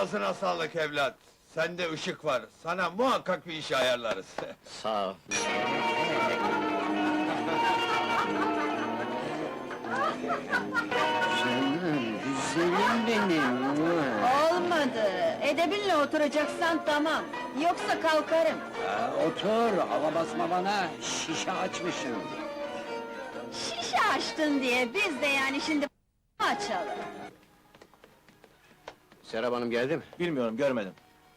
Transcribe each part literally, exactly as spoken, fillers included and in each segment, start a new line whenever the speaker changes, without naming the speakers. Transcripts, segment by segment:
Ağzına sağlık evlat. Sende ışık var. Sana muhakkak bir iş ayarlarız.
Sağ ol. Canım, güzelim benim.
Olmadı. Edebinle oturacaksan tamam. Yoksa kalkarım.
Ha, otur, hava basma bana, şişe açmışım.
Şişe açtın diye biz de yani şimdi açalım.
Serap Hanım geldi mi?
Bilmiyorum, görmedim.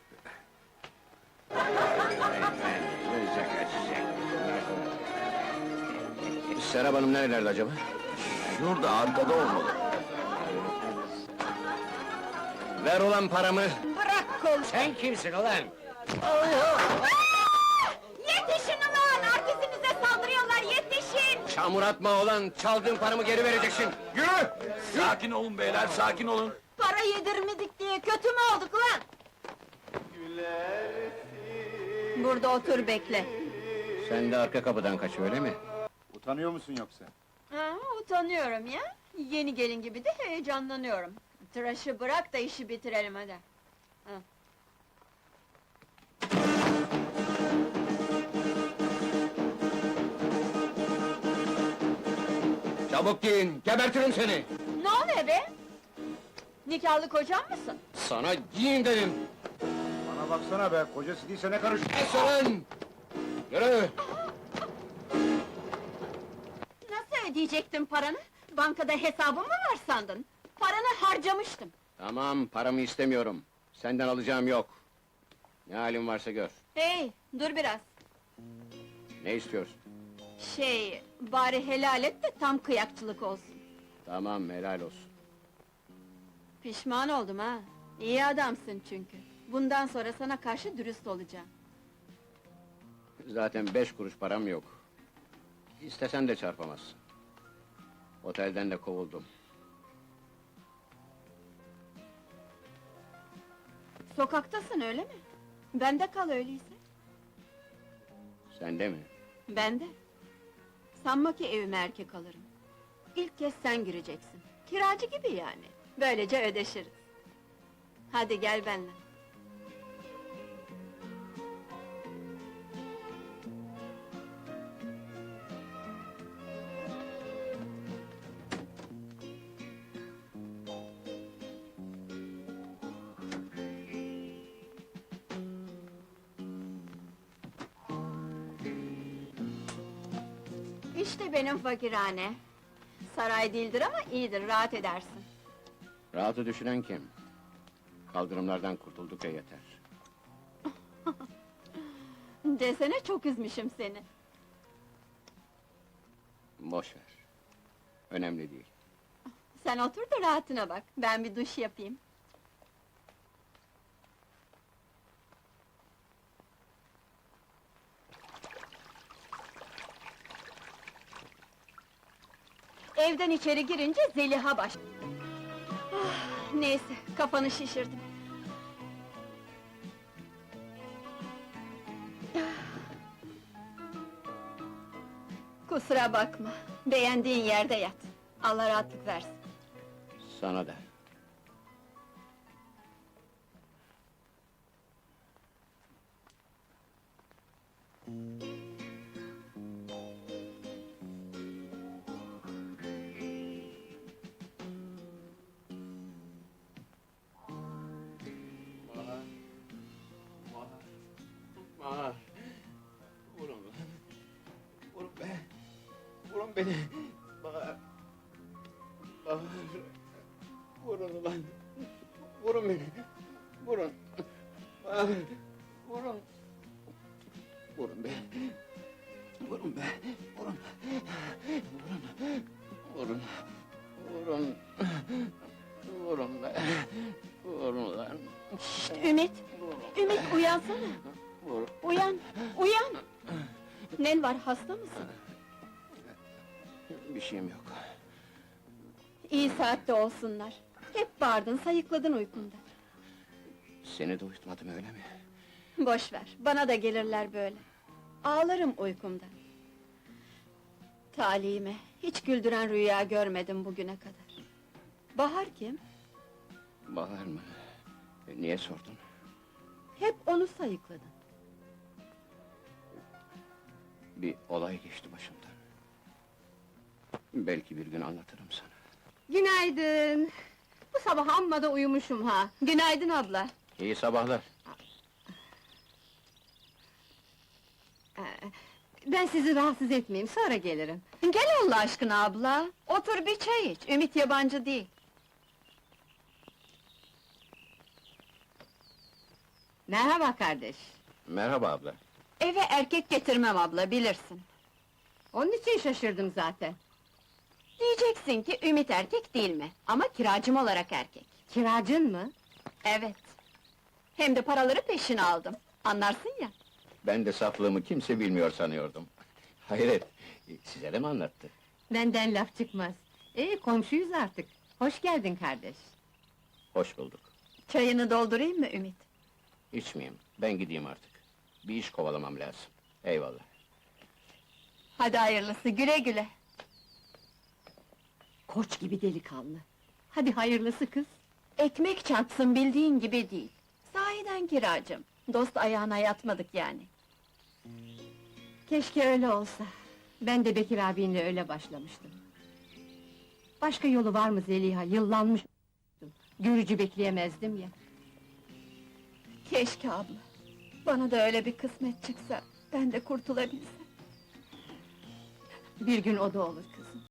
Serap Hanım nerelerde acaba?
Şurada, arkada olmalı.
Ver ulan paramı!
Bırak kol.
Sen kimsin ulan?
Yetişin ulan! Artistinize saldırıyorlar, yetişin!
Çamur atma ulan, çaldığın paramı geri vereceksin! Yürü!
Sakin olun beyler, sakin olun.
Para yedirmedik diye kötü mü olduk lan? Burada otur bekle.
Sen de arka kapıdan kaç, öyle mi?
Utanıyor musun yoksa?
Ha, utanıyorum ya. Yeni gelin gibi de heyecanlanıyorum. Tıraşı bırak da işi bitirelim hadi. Ha.
Çabuk giyin, gebertirim seni!
Ne oluyor be? Nikahlı kocam mısın?
Sana giyin dedim!
Bana baksana be, kocası değilse ne karış...
Es ulan! Yürü!
Nasıl ödeyecektin paranı? Bankada hesabın mı var sandın? Paranı harcamıştım.
Tamam, paramı istemiyorum. Senden alacağım yok. Ne halin varsa gör.
Hey, dur biraz.
Ne istiyorsun?
Şey, bari helal et de tam kıyakçılık olsun.
Tamam, helal olsun.
Pişman oldum ha. İyi adamsın çünkü. Bundan sonra sana karşı dürüst olacağım.
Zaten beş kuruş param yok. İstesen de çarpamazsın. Otelden de kovuldum.
Sokaktasın öyle mi? Bende kal öyleyse.
Sen de mi?
Bende. Sanma ki evime erkek alırım. İlk kez sen gireceksin. Kiracı gibi yani. Böylece ödeşiriz. Hadi gel benimle. İşte benim fakirhane. Saray değildir ama iyidir, rahat edersin.
Rahatı düşünen kim? Kaldırımlardan kurtulduk ya yeter.
Desene çok üzmüşüm seni.
Boş ver. Önemli değil.
Sen otur da rahatına bak, ben bir duş yapayım. Evden içeri girince Zeliha baş... Ah, neyse, kafanı şişirdim. Kusura bakma, beğendiğin yerde yat. Allah rahatlık versin.
Sana da.
Bahar! Vurun lan! Vurun be! Vurun beni! Bahar! Bahar! Vurun ulan! Vurun beni! Vurun! Bahar! Vurun! Vurun be! Vurun be! Vurun! Vurun! Vurun! Vurun! Vurun be! Vurun lan!
Şşt, Ümit! Ümit, uyansana!
Vur!
Uyan, uyan! Nen var, hasta mısın?
Bir şeyim yok.
İyi saatte olsunlar. Hep bağırdın, sayıkladın uykunda.
Seni de uyutmadım, öyle mi?
Boş ver, bana da gelirler böyle. Ağlarım uykumda. Talihime, hiç güldüren rüya görmedim bugüne kadar. Bahar kim?
Bahar mı? Niye sordun?
Hep onu sayıkladın.
Bir olay geçti başımdan. Belki bir gün anlatırım sana.
Günaydın. Bu sabah amma da uyumuşum ha. Günaydın abla.
İyi sabahlar.
Ee, Ben sizi rahatsız etmeyeyim, sonra gelirim. Gel Allah aşkına abla. Otur bir çay iç, Ümit yabancı değil. Merhaba kardeş.
Merhaba abla.
Eve erkek getirmem abla, bilirsin. Onun için şaşırdım zaten. Diyeceksin ki Ümit erkek değil mi? Ama kiracım olarak erkek. Kiracın mı? Evet. Hem de paraları peşine aldım. Anlarsın ya.
Ben de saflığımı kimse bilmiyor sanıyordum. Hayret, size de mi anlattı?
Benden laf çıkmaz. Ee, komşuyuz artık. Hoş geldin kardeş.
Hoş bulduk.
Çayını doldurayım mı Ümit?
İçmeyeyim, ben gideyim artık. Bir iş kovalamam lazım. Eyvallah.
Hadi hayırlısı, güle güle. Koç gibi delikanlı. Hadi hayırlısı kız. Ekmek çarpsın bildiğin gibi değil. Sahiden kiracım. Dost ayağına yatmadık yani. Keşke öyle olsa. Ben de Bekir abinle öyle başlamıştım. Başka yolu var mı Zeliha? Yıllanmış. Görücü bekleyemezdim ya. Keşke abla. Bana da öyle bir kısmet çıksa, ben de kurtulabilsem. Bir gün o da olur kızım.